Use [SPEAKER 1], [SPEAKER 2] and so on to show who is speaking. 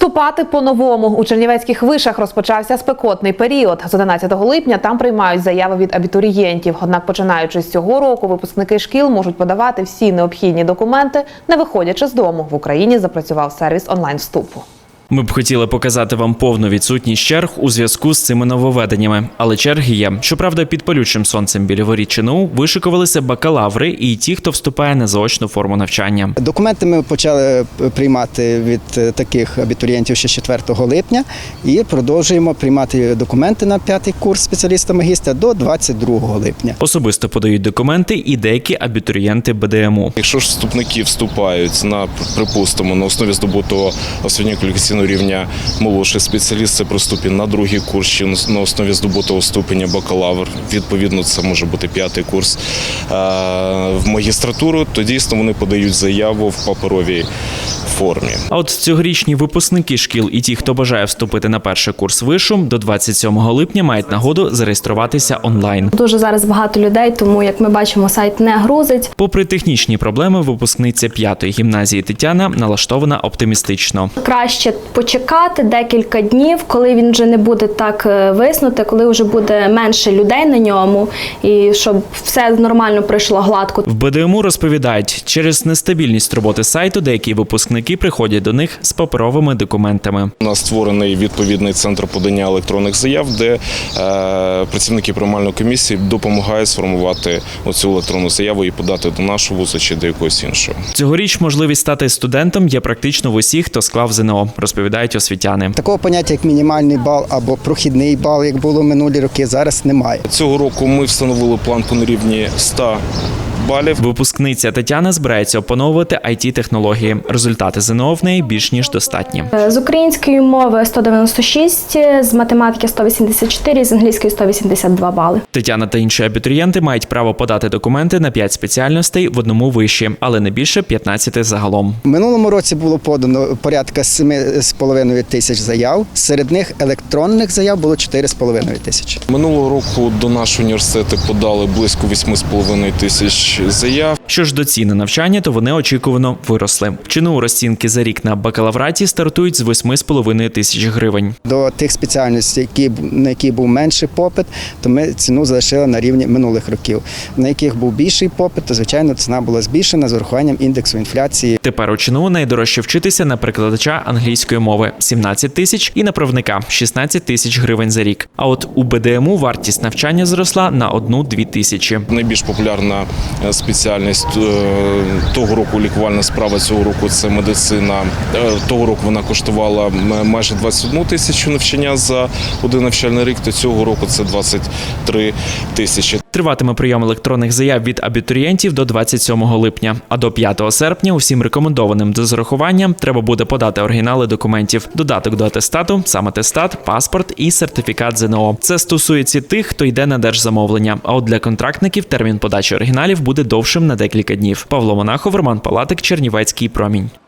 [SPEAKER 1] Вступати по-новому. У чернівецьких вишах розпочався спекотний період. З 11 липня там приймають заяви від абітурієнтів. Однак, починаючи з цього року, випускники шкіл можуть подавати всі необхідні документи, не виходячи з дому. В Україні запрацював сервіс онлайн-вступу.
[SPEAKER 2] Ми б хотіли показати вам повну відсутність черг у зв'язку з цими нововведеннями. Але черги є. Щоправда, під палючим сонцем біля воріт ЧНУ вишикувалися бакалаври і ті, хто вступає на заочну форму навчання.
[SPEAKER 3] Документи ми почали приймати від таких абітурієнтів ще 4 липня і продовжуємо приймати документи на 5-й курс спеціаліста-магістра до 22 липня.
[SPEAKER 2] Особисто подають документи і деякі абітурієнти БДМУ.
[SPEAKER 4] Якщо ж вступники вступають на, припустимо, на основі здобутого освітньо-кваліфікаційного рівня молодший спеціаліст, це при вступі на 2-й курс чи на основі здобутого ступеня бакалавр, відповідно це може бути 5-й курс, в магістратуру, то дійсно вони подають заяву в паперовій формі.
[SPEAKER 2] А от цьогорічні випускники шкіл і ті, хто бажає вступити на перший курс вишу, до 27 липня мають нагоду зареєструватися онлайн.
[SPEAKER 5] Дуже зараз багато людей, тому, як ми бачимо, сайт не грузить.
[SPEAKER 2] Попри технічні проблеми, випускниця 5-ї гімназії Тетяна налаштована оптимістично.
[SPEAKER 5] Краще почекати декілька днів, коли він вже не буде так виснути, коли вже буде менше людей на ньому, і щоб все нормально пройшло гладко.
[SPEAKER 2] В БДМУ розповідають, через нестабільність роботи сайту деякі випускники приходять до них з паперовими документами.
[SPEAKER 4] У нас створений відповідний центр подання електронних заяв, де працівники приймальної комісії допомагають сформувати оцю електронну заяву і подати до нашого вузу чи до якогось іншого.
[SPEAKER 2] Цьогоріч можливість стати студентом є практично в усіх, хто склав ЗНО, розповідають освітяни.
[SPEAKER 3] Такого поняття, як мінімальний бал або прохідний бал, як було минулі роки, зараз немає.
[SPEAKER 4] Цього року ми встановили планку на рівні 100 балів.
[SPEAKER 2] Випускниця Тетяна збирається опановувати IT-технології. Результати ЗНО в неї більш ніж достатні.
[SPEAKER 5] З української мови 196, з математики 184, з англійської 182 бали.
[SPEAKER 2] Тетяна та інші абітурієнти мають право подати документи на 5 спеціальностей в одному виші, але не більше 15 загалом.
[SPEAKER 3] В минулому році було подано порядка 7,5 тисяч заяв. Серед них електронних заяв було 4,5 тисячі.
[SPEAKER 4] Минулого року до нашого університету подали близько 8,5 тисяч заяв.
[SPEAKER 2] Що ж до цін на навчання, то вони очікувано виросли. В ЧНУ розцінки за рік на бакалавраті стартують з 8,5 тисяч гривень.
[SPEAKER 3] До тих спеціальностей, на які був менший попит, то ми ціну залишили на рівні минулих років. На яких був більший попит, то, звичайно, ціна була збільшена з урахуванням індексу інфляції.
[SPEAKER 2] Тепер у ЧНУ найдорожче вчитися на перекладача англійської мови – 17 тисяч і на правника – 16 тисяч гривень за рік. А от у БДМУ вартість навчання зросла на 1-2 тисячі.
[SPEAKER 4] Найбільш популярна спеціальність того року лікувальна справа, цього року це медицина. Того року вона коштувала майже 21 тисячу навчання за один навчальний рік, то цього року це 23 тисячі.
[SPEAKER 2] Триватиме прийом електронних заяв від абітурієнтів до 27 липня. А до 5 серпня усім рекомендованим до зарахування треба буде подати оригінали документів, додаток до атестату, сам атестат, паспорт і сертифікат ЗНО. Це стосується тих, хто йде на держзамовлення. А от для контрактників термін подачі оригіналів буде довшим на декілька днів. Павло Монахов, Роман Палатик, Чернівецький промінь.